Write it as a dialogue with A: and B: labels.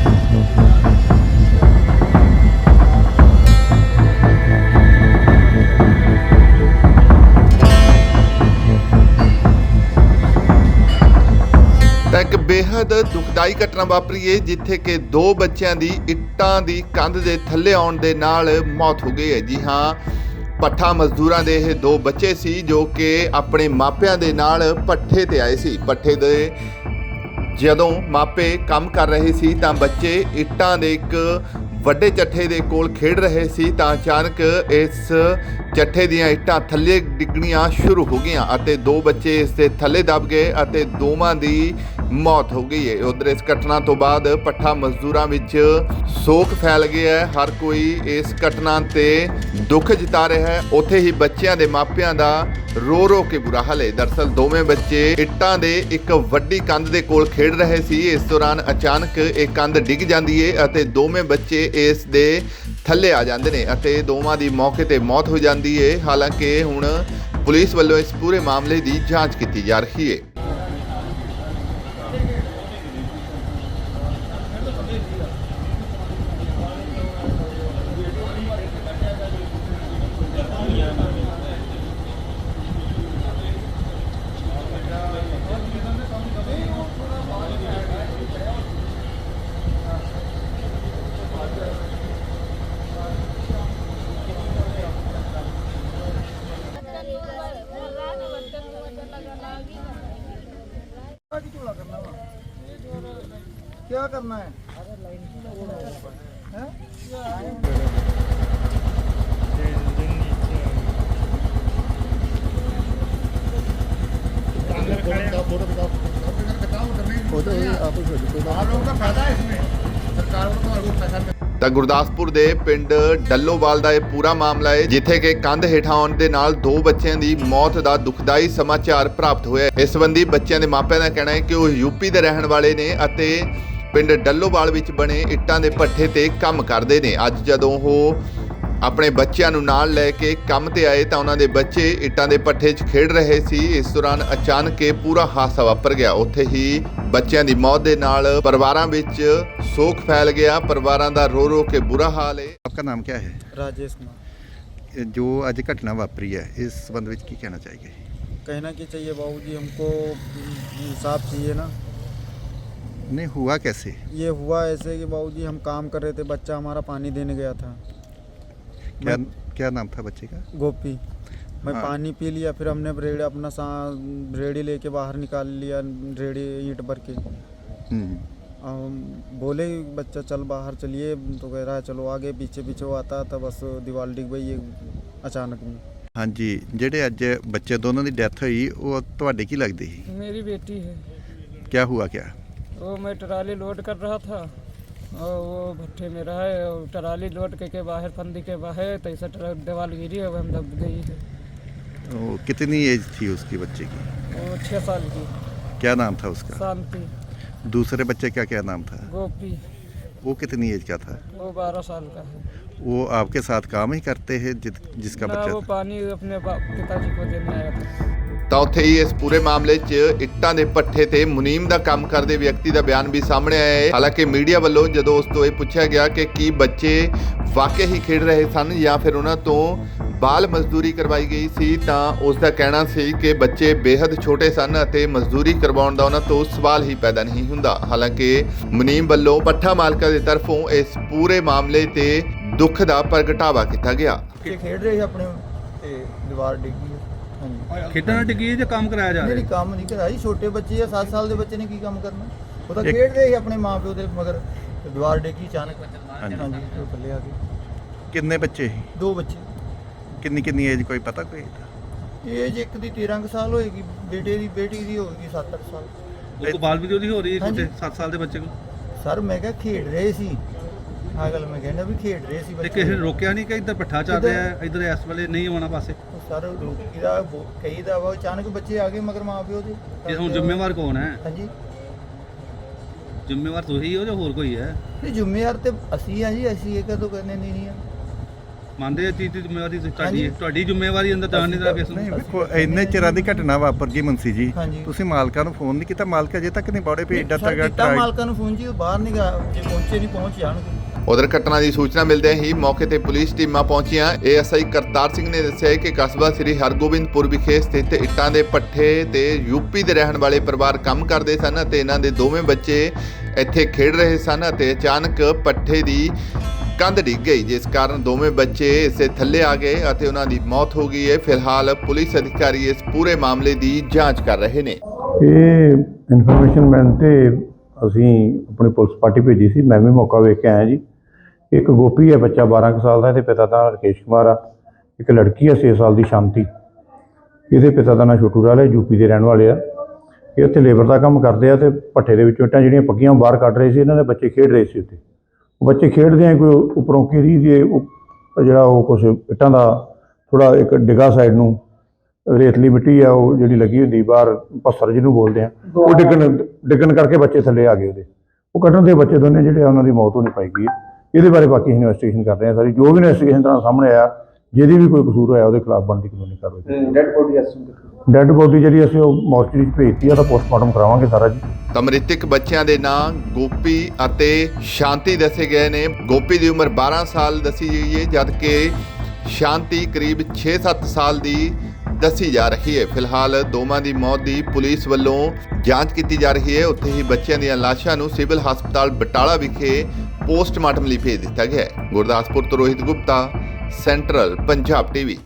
A: ਤਾਂ ਇੱਕ ਬੇहद ਦੁਖਦਾਈ ਘਟਨਾ ਵਾਪਰੀ ਹੈ ਜਿੱਥੇ ਕਿ ਦੋ ਬੱਚਿਆਂ ਦੀ ਇੱਟਾਂ ਦੀ ਕੰਧ ਦੇ ਥੱਲੇ ਆਉਣ ਦੇ ਨਾਲ ਮੌਤ ਹੋ ਗਈ ਹੈ। ਜੀ ਹਾਂ, ਪੱਠਾ ਮਜ਼ਦੂਰਾਂ ਦੇ ਇਹ ਦੋ ਬੱਚੇ ਸੀ ਜੋ ਕਿ ਆਪਣੇ ਮਾਪਿਆਂ ਦੇ ਨਾਲ ਪੱਠੇ ਤੇ ਆਏ ਸੀ। ਪੱਠੇ ਦੇ ਜਦੋਂ ਮਾਪੇ ਕੰਮ ਕਰ ਰਹੇ ਸੀ ਤਾਂ ਬੱਚੇ ਇੱਟਾਂ ਦੇ ਇੱਕ ਵੱਡੇ ਚੱਠੇ ਦੇ ਕੋਲ ਖੇਡ ਰਹੇ ਸੀ ਤਾਂ ਅਚਾਨਕ ਇਸ ਚੱਠੇ ਦੀਆਂ ਇੱਟਾਂ ਥੱਲੇ ਡਿੱਗਣੀਆਂ ਸ਼ੁਰੂ ਹੋ ਗਈਆਂ ਅਤੇ ਦੋ ਬੱਚੇ ਇਸ ਦੇ ਥੱਲੇ ਦਬ ਗਏ ਅਤੇ ਦੋਵਾਂ ਦੀ ਮੌਤ ਹੋ ਗਈ ਹੈ। ਉਧਰ ਇਸ ਘਟਨਾ ਤੋਂ ਬਾਅਦ ਪੱਠਾ ਮਜ਼ਦੂਰਾਂ ਵਿੱਚ ਸੋਗ ਫੈਲ ਗਿਆ ਹੈ। ਹਰ ਕੋਈ ਇਸ ਘਟਨਾ ਤੇ ਦੁੱਖ ਜਤਾ ਰਿਹਾ ਹੈ। ਉੱਥੇ ਹੀ ਬੱਚਿਆਂ ਦੇ ਮਾਪਿਆਂ ਦਾ ਰੋ ਰੋ ਕੇ ਬੁਰਾ ਹਾਲ ਹੈ। ਦਰਅਸਲ ਦੋਵੇਂ ਬੱਚੇ ਇੱਟਾਂ ਦੇ ਇੱਕ ਵੱਡੀ ਕੰਧ ਦੇ ਕੋਲ ਖੇਡ ਰਹੇ ਸੀ। ਇਸ ਦੌਰਾਨ ਅਚਾਨਕ ਇਹ ਕੰਧ ਡਿੱਗ ਜਾਂਦੀ ਹੈ ਅਤੇ ਦੋਵੇਂ ਬੱਚੇ ਇਸ ਦੇ ਥੱਲੇ ਆ ਜਾਂਦੇ ਨੇ ਅਤੇ ਦੋਵਾਂ ਦੀ ਮੌਕੇ ਤੇ ਮੌਤ ਹੋ ਜਾਂਦੀ ਹੈ। ਹਾਲਾਂਕਿ ਹੁਣ ਪੁਲਿਸ ਵੱਲੋਂ ਇਸ ਪੂਰੇ ਮਾਮਲੇ ਦੀ ਜਾਂਚ ਕੀਤੀ ਜਾ ਰਹੀ ਹੈ।
B: क्या करना है?
A: ਤਾਂ ਗੁਰਦਾਸਪੁਰ ਦੇ ਪਿੰਡ ਡੱਲੋਵਾਲ ਦਾ ਇਹ ਪੂਰਾ ਮਾਮਲਾ ਹੈ ਜਿੱਥੇ ਕਿ ਕੰਧ ਹੇਠਾਂ ਆਉਣ ਦੇ ਨਾਲ ਦੋ ਬੱਚਿਆਂ ਦੀ ਮੌਤ ਦਾ ਦੁਖਦਾਈ ਸਮਾਚਾਰ ਪ੍ਰਾਪਤ ਹੋਇਆ। ਇਸ ਸੰਬੰਧੀ ਬੱਚਿਆਂ ਦੇ ਮਾਪਿਆਂ ਦਾ ਕਹਿਣਾ ਹੈ ਕਿ ਉਹ ਯੂਪੀ ਦੇ ਰਹਿਣ ਵਾਲੇ ਨੇ ਅਤੇ ਪਿੰਡ ਡੱਲੋਵਾਲ ਵਿੱਚ ਬਣੇ ਇੱਟਾਂ ਦੇ ਭੱਠੇ ਤੇ ਕੰਮ ਕਰਦੇ ਨੇ। ਅੱਜ ਜਦੋਂ ਉਹ ਆਪਣੇ ਬੱਚਿਆਂ ਨੂੰ ਨਾਲ ਲੈ ਕੇ ਕੰਮ ਤੇ ਆਏ ਤਾਂ ਉਹਨਾਂ ਦੇ ਬੱਚੇ ਇੱਟਾਂ ਦੇ ਭੱਠੇ 'ਚ ਖੇਡ ਰਹੇ ਸੀ। ਇਸ ਦੌਰਾਨ ਅਚਾਨਕ ਇਹ ਪੂਰਾ ਹਾਦਸਾ ਵਾਪਰ ਗਿਆ। ਉੱਥੇ ਹੀ ਬੱਚਿਆਂ ਦੀ ਮੌਤ ਦੇ ਨਾਲ ਪਰਿਵਾਰਾਂ ਵਿੱਚ ਸੋਗ फैल गया। परिवारों का रो रो के बुरा हाल है।
C: आपका नाम क्या है?
B: राजेश कुमार।
C: जो आज घटना वापरी है इस संबंध में क्या कहना चाहिए?
B: कहना क्या चाहिए बाबूजी, हमको इंसाफ चाहिए ना।
C: नहीं हुआ कैसे?
B: ये हुआ ऐसे कि बाबूजी हम काम कर रहे थे, बच्चा हमारा पानी देने गया था।
C: क्या नाम था बच्चे का?
B: गोपी। मैं
C: हाँ।
B: पानी पी लिया, फिर हमने ब्रेड अपना ब्रेडी लेके बाहर निकाल लिया, रेडी ईंट भर के। हम बोले बच्चा चल बाहर चलिए, तो कह रहा है चलो आगे। पीछे पीछे वो आता था, बस दीवार डिग गई अचानक में।
C: हाँ जी, जेडे अज बच्चे दोनों की डेथ हुई वो तुहाडे की लगदी सी?
D: मेरी बेटी है।
C: क्या हुआ क्या?
D: वो मैं ट्राली लोड कर रहा था और वो भट्ठे में रहा है और ट्राली लोड के बाहर फंदी के बाहर तो ऐसा ट्रक दीवार गिरी है, हम दब गई है।
C: वो कितनी एज थी उसकी बच्चे की?
D: वो 6 साल की।
C: क्या नाम था उसका?
D: शांति।
C: दूसरे बच्चे का क्या नाम था?
D: गोपी।
C: वो कितनी एज का था?
D: वो 12 साल का है।
C: वो आपके साथ काम ही करते हैं जिसका
D: ना
C: बच्चा
D: वो
C: था?
D: पानी अपने पिताजी को देने आया था।
A: ਤਾਂ ਉੱਥੇ ਹੀ ਇਸ ਪੂਰੇ ਮਾਮਲੇ 'ਚ ਇੱਟਾਂ ਦੇ ਪੱਠੇ ਤੇ ਮੁਨੀਮ ਦਾ ਕੰਮ ਕਰਦੇ ਵਿਅਕਤੀ ਦਾ ਬਿਆਨ ਵੀ ਸਾਹਮਣੇ ਆਇਆ ਹੈ। ਹਾਲਾਂਕਿ ਮੀਡੀਆ ਵੱਲੋਂ ਜਦੋਂ ਉਸ ਤੋਂ ਇਹ ਪੁੱਛਿਆ ਗਿਆ ਕਿ ਕੀ ਬੱਚੇ ਵਾਕਈ ਹੀ ਖੇਡ ਰਹੇ ਸਨ ਜਾਂ ਫਿਰ ਉਹਨਾਂ ਤੋਂ ਬਾਲ ਮਜ਼ਦੂਰੀ ਕਰਵਾਈ ਗਈ ਸੀ ਤਾਂ ਉਸ ਦਾ ਕਹਿਣਾ ਸੀ ਕਿ ਬੱਚੇ ਬੇहद ਛੋਟੇ ਸਨ ਅਤੇ ਮਜ਼ਦੂਰੀ ਕਰਵਾਉਣ ਦਾ ਉਹਨਾਂ ਤੋਂ ਸਵਾਲ ਹੀ ਪੈਦਾ ਨਹੀਂ ਹੁੰਦਾ। ਹਾਲਾਂਕਿ ਮੁਨੀਮ ਵੱਲੋਂ ਪੱਠਾ ਮਾਲਕਾਂ ਦੀ ਤਰਫੋਂ ਇਸ ਪੂਰੇ ਮਾਮਲੇ ਤੇ ਦੁੱਖ ਦਾ ਪ੍ਰਗਟਾਵਾ ਕੀਤਾ ਗਿਆ।
B: खेड रहे अपने दीवार डिगी।
E: ਖੇਡਾਂ ਨਾਲ ਡਿੱਗੀ ਜਾਂ ਕੰਮ ਕਰਾਇਆ ਜਾ
B: नहीं
E: ਰਿਹਾ?
B: काम नहीं करा जी, छोटे बच्चे है, 7 साल के बच्चे ने की काम करना। वो तो खेड रहे अपने माँ प्यो दे, मगर दीवार डिगी अचानक।
C: हाँ जी।
B: हाँ जी, तो थल्ले आ गए।
C: कितने बच्चे ही?
B: 2 बच्चे।
C: किन्नी एज कोई पता कोई?
B: एज एक दी 13 कुछ साल होएगी, बेटे दी बेटी दी होएगी 7-8 साल।
E: ਉਹ ਕੋ ਬਾਲ ਵੀਡੀਓ ਦੀ ਹੋ ਰਹੀ ਹੈ
B: ਹਾਂਜੀ।
E: ਛੋਟੇ 7 ਸਾਲ ਦੇ ਬੱਚੇ ਨੂੰ।
B: सर मैं क्या खेड रहे सी, हाँ गल मैं कहना भी खेड रहे सी
E: ਤੇ
B: बच्चे।
E: ਕਿਸੇ ਨੇ ਰੋਕਿਆ ਨਹੀਂ ਕਿ ਇੱਧਰ ਪੱਠਾ ਚੱਲ ਰਿਹਾ ਹੈ, ਇੱਧਰ ਇਸ ਵੇਲੇ ਨਹੀਂ ਆਉਣਾ ਪਾਸੇ?
B: सर रोकी दा कई दा वा अचानक बच्चे आ गए मगर माँ प्यो दे।
E: ਇਹ ਹੁਣ ਜ਼ਿੰਮੇਵਾਰ ਕੌਣ ਹੈ?
B: हाँ जी,
E: ਜ਼ਿੰਮੇਵਾਰ ਤੁਸੀਂ ਹੋ ਜਾਂ ਹੋਰ ਕੋਈ ਹੈ?
B: नहीं जिम्मेदार तो असी हाँ जी, असी ये कदों करने नहीं है।
E: ਮੰਨਦੇ ਆ ਚੀਜ਼ ਦੀ ਜ਼ਿੰਮੇਵਾਰੀ ਤੁਹਾਡੀ ਹੈ, ਤੁਹਾਡੀ ਜ਼ਿੰਮੇਵਾਰੀ ਅੰਦਰ ਜਾਣ ਨਹੀਂ ਦੇਣਾ ਕਿਸ ਨੂੰ।
C: ਨਹੀਂ ਵੇਖੋ ਇੰਨੇ ਚਿਰਾਂ ਦੀ ਘਟਨਾ ਵਾਪਰ ਗਈ ਮੁੰਸੀ ਜੀ,
B: ਹਾਂਜੀ।
C: ਤੁਸੀਂ ਮਾਲਕਾਂ ਨੂੰ ਫੋਨ ਨਹੀਂ ਕੀਤਾ? ਮਾਲਕ ਅਜੇ ਤੱਕ ਨਹੀਂ ਬੌੜੇ ਵੀ ਏਡਾ
B: ਸਰ
C: ਤਗੜਾ
B: ਕੀਤਾ ਮਾਲਕਾਂ ਨੂੰ ਫੋਨ ਜੀ, ਉਹ ਬਾਹਰ ਨਹੀਂ ਗਿਆ, ਜੇ ਪਹੁੰਚੇ ਨਹੀਂ ਪਹੁੰਚ ਜਾਣਗੇ।
A: ਉਧਰ ਘਟਨਾ ਦੀ ਸੂਚਨਾ ਮਿਲਦਿਆਂ ਹੀ ਮੌਕੇ ਤੇ ਪੁਲਿਸ ਟੀਮਾਂ ਪਹੁੰਚੀਆਂ। ਏਐਸਆਈ ਕਰਤਾਰ ਸਿੰਘ ਨੇ ਦੱਸਿਆ ਕਿ ਕਸਬਾ ਸ੍ਰੀ ਹਰਗੋਬਿੰਦਪੁਰ ਵਿਖੇ ਸਥਿਤ ਇੱਟਾਂ ਦੇ ਪੱਠੇ ਤੇ ਯੂਪੀ ਦੇ ਰਹਿਣ ਵਾਲੇ ਪਰਿਵਾਰ ਕੰਮ ਕਰਦੇ ਸਨ ਅਤੇ ਇਹਨਾਂ ਦੇ ਦੋਵੇਂ ਬੱਚੇ ਇੱਥੇ ਖੇਡ ਰਹੇ ਸਨ ਅਤੇ ਅਚਾਨਕ ਪੱਠੇ ਦੀ ਕੰਧ ਡਿੱਗ ਗਈ, ਜਿਸ ਕਾਰਨ ਦੋਵੇਂ ਬੱਚੇ ਇਸੇ ਥੱਲੇ ਆ ਗਏ ਅਤੇ ਉਹਨਾਂ ਦੀ ਮੌਤ ਹੋ ਗਈ ਹੈ। ਫਿਲਹਾਲ ਪੁਲਿਸ ਅਧਿਕਾਰੀ ਇਸ ਪੂਰੇ ਮਾਮਲੇ ਦੀ ਜਾਂਚ ਕਰ ਰਹੇ ਨੇ।
F: ਇਹ ਇਨਫੋਰਮੇਸ਼ਨ ਮਿਲਣ ਤੇ ਅਸੀਂ ਆਪਣੀ ਪੁਲਿਸ ਪਾਰਟੀ ਭੇਜੀ ਸੀ। ਮੈਂ ਵੀ ਮੌਕਾ ਵੇਖ ਕੇ ਆਇਆ ਜੀ। ਇੱਕ ਗੋਪੀ ਹੈ ਬੱਚਾ 12 ਕੁ ਸਾਲ ਦਾ, ਇਹਦੇ ਪਿਤਾ ਦਾ ਰਕੇਸ਼ ਕੁਮਾਰ ਆ। ਇੱਕ ਲੜਕੀ ਹੈ 6 ਸਾਲ ਦੀ ਸ਼ਾਂਤੀ, ਇਹਦੇ ਪਿਤਾ ਦਾ ਨਾਂ ਛੋਟੂ ਰਾਲ ਹੈ, ਯੂਪੀ ਦੇ ਰਹਿਣ ਵਾਲੇ ਆ। ਇਹ ਉੱਥੇ ਲੇਬਰ ਦਾ ਕੰਮ ਕਰਦੇ ਆ ਤੇ ਭੱਠੇ ਦੇ ਵਿੱਚੋਂ ਇੱਟਾਂ ਜਿਹੜੀਆਂ ਪੱਕੀਆਂ ਬਾਹਰ ਕੱਢ ਰਹੇ ਸੀ। ਇਹਨਾਂ ਦੇ ਬੱਚੇ ਖੇਡ ਰਹੇ ਸੀ ਉੱਥੇ। ਬੱਚੇ ਖੇਡਦੇ ਆ ਕੋਈ ਉੱਪਰੋਂ ਘੇਰੀ ਦੇ ਜਿਹੜਾ ਉਹ ਕੁਛ ਇੱਟਾਂ ਦਾ ਥੋੜ੍ਹਾ ਇੱਕ ਡਿੱਗਾ ਸਾਈਡ ਨੂੰ ਰੇਤਲੀ ਮਿੱਟੀ ਆ ਉਹ ਜਿਹੜੀ ਲੱਗੀ ਹੁੰਦੀ ਬਾਹਰ, ਪੱਥਰ ਜਿਹਨੂੰ ਬੋਲਦੇ ਆ, ਉਹ ਡਿੱਗਣ ਕਰਕੇ ਬੱਚੇ ਥੱਲੇ ਆ ਗਏ ਉਹਦੇ। ਉਹ ਕੱਢਣ ਦੇ ਬੱਚੇ ਦੋਨੇ ਜਿਹੜੇ ਆ ਉਹਨਾਂ ਦੀ ਮੌਤ ਹੋਣੀ ਪਾਈ ਗਈ ਹੈ। ਇਹਦੇ ਬਾਰੇ ਬਾਕੀ ਇਨਵੈਸਟੀਗੇਸ਼ਨ ਕਰ ਰਹੇ ਆ ਸਾਰੀ। ਜੋ ਵੀ ਇਨਵੈਸਟੀਗੇਸ਼ਨ ਤਰ੍ਹਾਂ ਸਾਹਮਣੇ ਆਇਆ, ਜਿਹਦੀ ਵੀ ਕੋਈ ਕਸੂਰ ਹੋਇਆ ਉਹਦੇ ਖਿਲਾਫ ਬਣਦੀ ਕਾਨੂੰਨੀ ਕਾਰਵਾਈ। ਡੈੱਡ ਬੋਡੀ ਜਿਹੜੀ ਅਸੀਂ ਉਹ ਮੋਰਚਰੀ 'ਚ ਭੇਜਤੀ ਆ, ਤਾਂ ਪੋਸਟਮਾਰਟਮ ਕਰਾਵਾਂਗੇ ਸਾਰਾ ਜੀ।
A: ਤਾਂ ਮ੍ਰਿਤਕ ਬੱਚਿਆਂ ਦੇ ਨਾਂ ਗੋਪੀ ਅਤੇ ਸ਼ਾਂਤੀ ਦੱਸੇ ਗਏ ਨੇ। ਗੋਪੀ ਦੀ ਉਮਰ 12 ਸਾਲ ਦੱਸੀ ਗਈ ਹੈ, ਜਦਕਿ ਸ਼ਾਂਤੀ ਕਰੀਬ 6-7 ਸਾਲ ਦੀ ਦੱਸੀ ਜਾ ਰਹੀ ਹੈ। ਫਿਲਹਾਲ ਦੋਵਾਂ ਦੀ ਮੌਤ ਦੀ ਪੁਲਿਸ ਵੱਲੋਂ ਜਾਂਚ ਕੀਤੀ ਜਾ ਰਹੀ ਹੈ। ਉੱਥੇ ਹੀ ਬੱਚਿਆਂ ਦੀਆਂ ਲਾਸ਼ਾਂ ਨੂੰ ਸਿਵਲ ਹਸਪਤਾਲ ਬਟਾਲਾ ਵਿਖੇ ਪੋਸਟਮਾਰਟਮ ਲਈ ਭੇਜ ਦਿੱਤਾ ਗਿਆ ਹੈ। ਗੁਰਦਾਸਪੁਰ ਤੋਂ ਰੋਹਿਤ ਗੁਪਤਾ, ਸੈਂਟਰਲ ਪੰਜਾਬ ਟੀਵੀ।